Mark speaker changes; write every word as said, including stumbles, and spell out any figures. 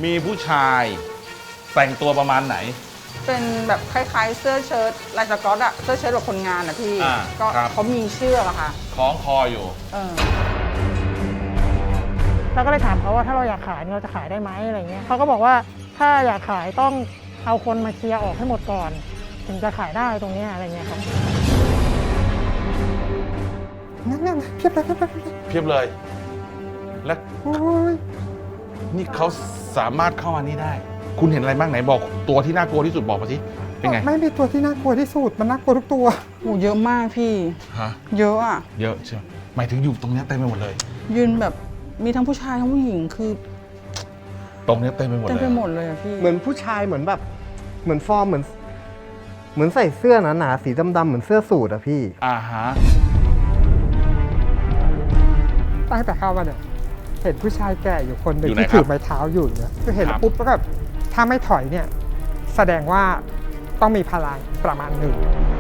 Speaker 1: มีผู้ชายแต่งตัวประมาณไหน
Speaker 2: เป็นแบบคล้ายๆเสื้อเชิ้ตลายสก๊อตอะเสื้อเชิ้ตแบบคนงานอะพี่ก็เขามีเชือกอะค่ะ
Speaker 1: คล้องคออยู่
Speaker 2: เออ
Speaker 3: เราก็เลยถามเขาว่าถ้าเราอยากขายเราจะขายได้ไหมอะไรเงี้ยเขาก็บอกว่าถ้าอยากขายต้องเอาคนมาเคลียร์ออกให้หมดก่อนถึงจะขายได้ตรงนี้อะไรเงี้ยครับ
Speaker 4: นั่นนั่นเพียบเลยเพียบเลย
Speaker 1: เพียบเลยและนี่เขาสามารถเข้ามานี่ได้คุณเห็นอะไรบ้างไหนบอกตัวที่น่ากลัวที่สุดบอกมาสิเป็นไง
Speaker 4: ไม่มีตัวที่น่ากลัวที่สุดมันน่ากลัวทุกตัว
Speaker 2: โหเยอะมากพี่
Speaker 1: ฮะ
Speaker 2: เยอะอะ
Speaker 1: เยอะใช่ไหมหมายถึงอยู่ตรงนี้เต็มไปหมดเลย
Speaker 2: ยืนแบบมีทั้งผู้ชายทั้งผู้หญิงคือ
Speaker 1: ตรงนี้เต็มไปหมดเลย
Speaker 2: เต็มไปหมดเลยอะพี่
Speaker 4: เหมือนผู้ชายเหมือนแบบเหมือนฟอร์มเหมือนเหมือนใส่เสื้อหนาๆสีดำๆเหมือนเสื้อสูทอะพี่
Speaker 1: อ่าฮะ
Speaker 4: ตั้งแต่เข้ามาเนี่ยเห็นผู้ชายแก่อยู่คนหนึ่งที่ถือไม้เท้าอยู่เนี่ยคือเห็นปุ๊บแล้วแบบถ้าไม่ถอยเนี่ยแสดงว่าต้องมีพลังประมาณหนึ่ง